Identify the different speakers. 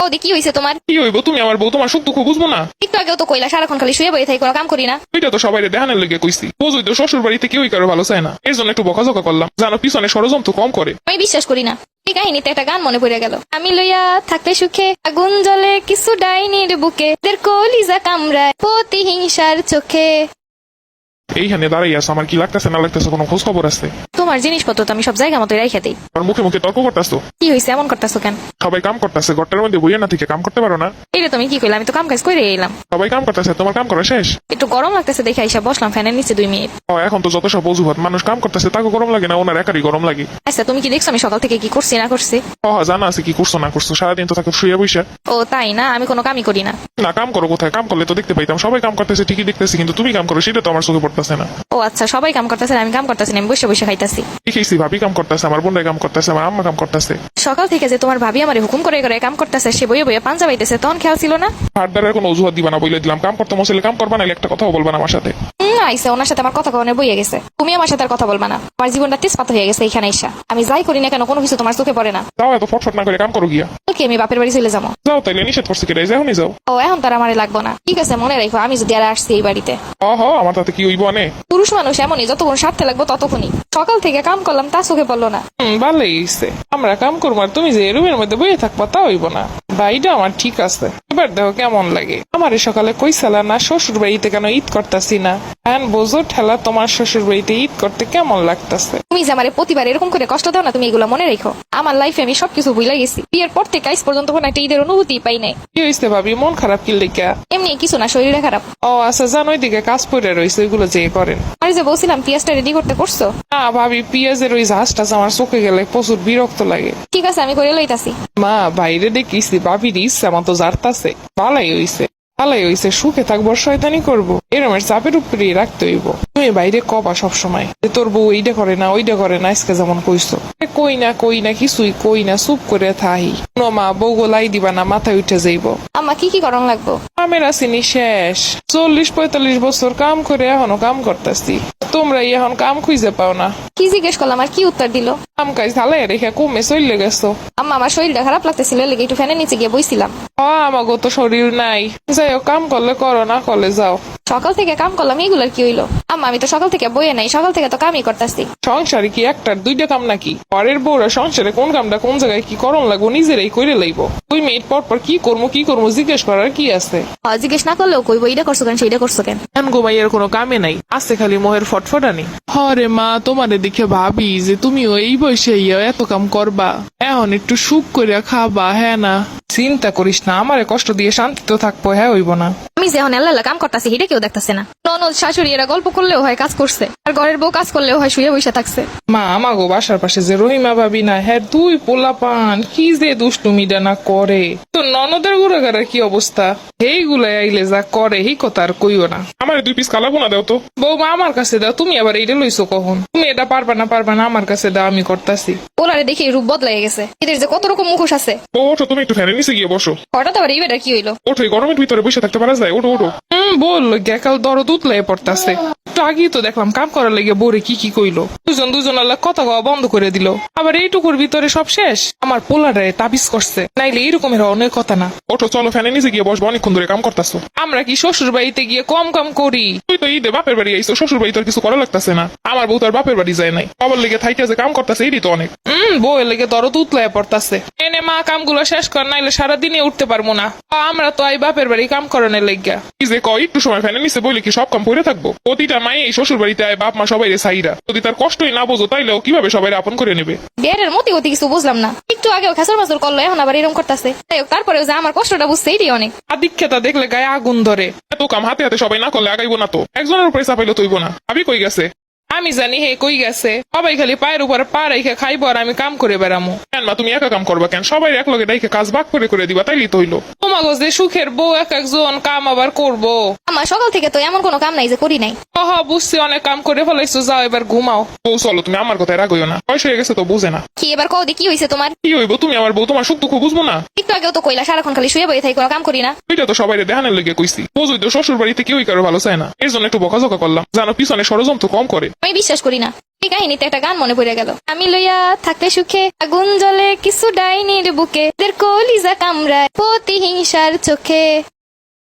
Speaker 1: ওদি কি হয়েছে তোমার?
Speaker 2: কি হইব, তুমি আমার বউ, তোমার সুখ দুঃখ বুঝবো না?
Speaker 1: একটু আগেও তো কইলা সারাক্ষণ খালি শুয়ে বসে থাকি, কোনো কাম করি না।
Speaker 2: ওইটা তো সবাই দেখানোর লেগে কইছি। বুঝই তো শ্বশুর বাড়িতে কেউই কারো ভালো চায় না, এর জন্য একটু বকাঝকা করলাম, জানো পিছনে ষড়যন্ত্র কম করে।
Speaker 1: আমি বিশ্বাস করি না। এই কাহিনীতে একটা গান মনে পড়ে গেল, আমি লইয়া থাকলে সুখে আগুন জ্বলে কিছু ডাইনির বুকে, দের কলিজা কামড়ায় প্রতিহিংসার চোখে।
Speaker 2: এইখানে দাঁড়াই আছে, আমার কি লাগতেছে না লাগতেছে কোনো খোঁজ খবর আছে?
Speaker 1: তোমার জিনিসপত্র তো আমি সব জায়গা মতো রেখে দিই।
Speaker 2: আর মুখে মুখে তর্ক করতেছো।
Speaker 1: কি হয়েছে, এমন করতেছো কেন?
Speaker 2: সবাই কাম করতেছে, ঘরটার মধ্যে বইয়ে না থেকে কাম করতে পারো না?
Speaker 1: এটা তুমি কি কইলা? আমি তো কাম কাজ করে এলাম।
Speaker 2: সবাই কাম করতেছে, তোমার কাম করা শেষ?
Speaker 1: একটু গরম লাগতেছে দেখে আইসা বসলাম ফ্যানের নিচে 2 মিনিট।
Speaker 2: এখন তো যত সব অজুহাত, মানুষ কাম করতেছে তাকে গরম লাগে না, ওনার একারই গরম লাগে।
Speaker 1: আচ্ছা তুমি কি দেখছো আমি সকাল থেকে কি করছি না করছি?
Speaker 2: জানা আছে কি করছো না করছো, সারাদিন তো তাকে শুয়ে বসে।
Speaker 1: ও তাই না, আমি কোনো কামই করি না।
Speaker 2: না কাম করো কোথায়? কাম করলে তো দেখতে পাইতাম, সবাই কাম করতেছে ঠিকই দেখতেছি, কিন্তু তুমি কাম করো সেটা তো আমার চোখে পড়তেছে না।
Speaker 1: ও আচ্ছা, সবাই কাম করতেছে, আমি কাম করতেছি না, আমি বসে বসে খাইতাছি।
Speaker 2: দেখেছি ভাবি কাম করতেছে, আমার বোনরাই কাম করতেছে, আমার আম্মা কাম করতেছে।
Speaker 1: সকাল থেকে যে তোমার ভাবি আমারে হুকুম করে করে কাম করতেছে, সে বইয়ে বইয়ে পাঞ্জা বাইতেছে, তখন খেয়াল ছিল না?
Speaker 2: হাত দ্বারা কোনো অজুহাত দিবা না বলে দিলাম, কাম করতে মশলে কাম করবা, নাহলে একটা কথাও বলবা না আমার সাথে।
Speaker 1: আইসা ওনার সাথে আমার কথা কখনো বইয়ে গেছে, তুমি আমার সাথে আর কথা বলবা না। আমার জীবনটা তেজপাত হয়ে গেছে এখানে আইসা। আমি যাই করি না কেন কোনো কিছু তোমার চোখে পড়ে না।
Speaker 2: যাও এত ফটফট না করে কাম করো গিয়া।
Speaker 1: ওকে আমি বাপের বাড়ি চলে যাবো।
Speaker 2: যাও তাইলে, নিষেধ করছে কেটে এখনই যাও।
Speaker 1: ও এখন তার আমারে লাগবো না, ঠিক আছে মনে রাখো, আমি যদি আর আসছি এই বাড়িতে।
Speaker 2: আমার তাতে কি হইব আনে?
Speaker 1: পুরুষ মানুষ এমনই, যতক্ষণ স্বার্থে লাগবো ততক্ষণই। সকাল থেকে কাম করলাম তা চোখে পড়লো না।
Speaker 3: ভালোই হইছে, আমরা কাম করবো আর তুমি যে রুমের মধ্যে বইয়ে থাকবো তা হইব না। ভাইটা আমার ঠিক আছে, এবার দেখো কেমন লাগে। আমার সকালে কইসালা না শ্বশুর বাড়িতে কেন ঈদ করতেছি না, এখন বোঝো ঠেলা তোমার শ্বশুর বাড়িতে ঈদ করতে কেমন লাগতেছে।
Speaker 1: তুমি যে আমারে প্রতিবার এরকম করে কষ্ট দাও না, তুমি এগুলো মনে রেখো। আমার লাইফে আমি সবকিছু ভুলে গেছি, বিয়ের পর থেকে আজ পর্যন্ত কোনো একটা ঈদের অনুভূতি পাই নাই।
Speaker 3: কি হইছে ভাবি, মন খারাপ কি লেখা?
Speaker 1: এমনি কিছু না, শরীরে খারাপ।
Speaker 3: ও আচ্ছা, জানো ওইদিকে কাজ পড়ে রয়েছে, ওইগুলো যে করেন।
Speaker 1: আর যে বলছিলাম পেঁয়াজটা রেডি করতে করছো?
Speaker 3: না ভাবি, পেঁয়াজের ওই ঝাঁসটা আমার চোখে গেলে প্রচুর বিরক্ত লাগে।
Speaker 1: ঠিক আছে আমি করে লইতাছি।
Speaker 3: মা বাইরে দেখিছি ভাবির ইচ্ছা মতো জারতাছে, ভালাই হইছে ভালাই হইছে, সুখে থাকবো শয়তানি করবো, এরমের চাপের উপরে রাখতে হইব। তুমি বাইরে কবা সবসময় যে তোর বউ এইটা করে না ওইটা করে না, আজকে যেমন কইছো। কই না কিছুই কই না, চুপ করে থাহি। মা বউ গোলাই দিবা না, মাথায় উঠে যাইব।
Speaker 1: আম্মা কি কি করণ লাগবো?
Speaker 3: কামের আসিনি শেষ, 40-45 বছর কাম করে এখনো কাম করতেছি, তোমরা এখন কাম খুঁজে পাও না।
Speaker 1: কি জিজ্ঞেস করলাম আর কি উত্তর দিল?
Speaker 3: কাম কাজ ঢালাই রেখে কমে চলে গেছো।
Speaker 1: আম্মা আমার শরীরটা খারাপ লাগতেছিল, লেগে একটু ফ্যানের নিচে গিয়ে বইছিলাম।
Speaker 3: আমাগো তো শরীর নাই, যাই হোক কাম করলে করো, না করলে যাও।
Speaker 1: সকাল থেকে কাম করলাম, এগুলার কি হইলো? আম্মা আমি তো সকাল থেকে বইয়ে নাই, সকাল থেকে তো কামই করতেছি।
Speaker 3: সংসারে কি একটার দুইটা কাম নাকি? পরের বউরা সংসারে কোন কামটা কোন জায়গায় কি করণ লাগবো নিজেরাই করে লইব। 2 মিনিট পর পর কি করবো জিজ্ঞেস করার কি আছে?
Speaker 1: জিজ্ঞেস না করলেও কইবো এইটা করছো কেন সেইটা করছো কেন।
Speaker 3: গোমাইয়ের কোনো কামে নাই, আছে খালি মোহের ফটফটানি। হরে মা, তোমারে দেখে ভাবি যে তুমিও এই বয়সে এত কাম করবা, এখন একটু সুখ করে খাবা। হ্যাঁ না, চিন্তা করিস না, আমারে কষ্ট দিয়ে শান্তি তো থাকবো, হ্যাঁ হইব না।
Speaker 1: আমি যে এখন আল্লাহ কাম করতেছি সেটা কেউ দেখতেছে না। ননদ শাশুড়ি এরা গল্প করলেও হয় কাজ করছে, আর ঘরের বউ কাজ করলেও হয় শুয়ে বসে থাকছে।
Speaker 3: মা আমাগো বাসার পাশে যে রহিমা ভাবি না, হ্যাঁ 2 পোলা পান কি যে দুষ্টুমিটা না করে। তো ননদের গুড়াগাড়ার কি অবস্থা, এইগুলা আইলে যা করে এই কথা আর কইও না।
Speaker 2: আমার 2 পিস কালাবো না দাও তো।
Speaker 3: বৌমা আমার কাছে দাও, তুমি আবার এইটা লইছো কখন? তুমি এটা পারবা না আমার কাছে দাও, আমি করতাছি।
Speaker 1: ওলারে দেখে রূপ বদলাই গেছে, এদের যে কত রকম মুখোশ আছে।
Speaker 2: ওঠো, তুমি একটু ফ্যানের নিচে গিয়ে বসো।
Speaker 1: হঠাৎ আবার এই বেটার কি হইলো?
Speaker 2: ওঠো, এই গরমের ভিতরে বসে থাকতে পারা যায়? ওঠো ওঠো।
Speaker 3: বল গেকাল দরদ উতলাই পড়তাছে। একটু আগেই তো দেখলাম কাম করার লেগে বোরে কি কইলো। দুজন আল্লাহ কথা কওয়া বন্ধ করে দিল, আবার এইটুকুর ভিতরে সব শেষ। আমার পোলারে তাবিজ করছে, নাইলে এইরকমের অনেক কথা না।
Speaker 2: ওঠো চলো, ফ্যানের নিচে গিয়ে বসবো, অনেকক্ষণ ধরে কাম করতেছো।
Speaker 3: আমরা কি শ্বশুর বাড়িতে গিয়ে কম কাম করি?
Speaker 2: তুই তো ঈদে বাপের বাড়ি আইসো, শ্বশুর বাড়ি তোর কিছু করা লাগতেছে না। আমার বউ তার বাপের বাড়ি যায় নাই, বাবার লেগে থাইকে যে কাম করতেছে এটি তো অনেক।
Speaker 3: বউয়ের লেগে দরদ উতলাই পড়তাছে। এনে মা কামগুলো শেষ কর, নাইলে সারাদিনে উঠতে পারবো না। আমরা তো আই বাপের বাড়ি কাম করানোর লেগা।
Speaker 2: কি যে কয়, একটু সময় ফ্যানের নিচে বলে কি সব কাম পড়ে থাকবো? প্রতিটা মায়ে এই শ্বশুর বাড়িতে আয়, বাপ মা সবাই রে সাইরা। যদি তার কষ্টই না বোঝো তাইলেও কিভাবে সবাই আপন করে নেবে?
Speaker 1: বিয়ের মতি কিছু বুঝলাম না, একটু আগেও খেসর মাসুর করলো, এখন আবার এরকম করতেছে। তাই হোক, তারপরেও যে আমার কষ্টটা বুঝছে এটি অনেক।
Speaker 3: আদিক্ষেতা দেখলে গায়ে আগুন ধরে।
Speaker 2: এত কাম হাতে হাতে সবাই না করলে আগাইবো না তো, একজনের উপরে চাপাইলে তৈব না। ভাবি কই গেছে?
Speaker 3: আমি জানি হে কই গেছে, সবাই খালি পায়ের উপর পা রেখে খাইবো আর আমি কাম করে বেড়ামো।
Speaker 2: কেন মা, তুমি একা কাম করবা কেন? সবাই এক লগে ডাইকে কাজ ভাগ করে দিবা, তাইলেই তো হইলো।
Speaker 3: তোমাগো যে সুখের বউ এক একজন কাম আবার করবো।
Speaker 1: আমার সকাল থেকে তো এমন কোনো কাম নাই যে করি নাই।
Speaker 3: বুঝছি, অনেক কাম করে ফেলাইছো, যাও এবার ঘুমাও।
Speaker 2: বউ চলো, তুমি আমার কথায় রাগইও না, বয়স হয়ে গেছে তো বুঝে না।
Speaker 1: কি এবার কদি কি হয়েছে তোমার?
Speaker 2: কি হইব, তুমি আমার বউ, তোমার সুখ দুঃখ বুঝবো না?
Speaker 1: একটু আগেও তো কইলা সারাক্ষণ খালি শুয়ে বসে থাকি, কোনো কাম করি না।
Speaker 2: ওইটা তো সবাই দেখানোর লেগে কইছি। বুঝই তো শ্বশুর বাড়িতে কেউই কারো ভালো চায় না, এর জন্য একটু বকাঝকা করলাম, জানো পিছনে ষড়যন্ত্র কম করে।
Speaker 1: আমি বিশ্বাস করি না। এই কাহিনীতে একটা গান মনে পড়ে গেল। আমি লইয়া থাকলে সুখে আগুন জ্বলে কিছু ডাইনির বুকে, এদের কলিজা কামড়ায় প্রতিহিংসার চোখে।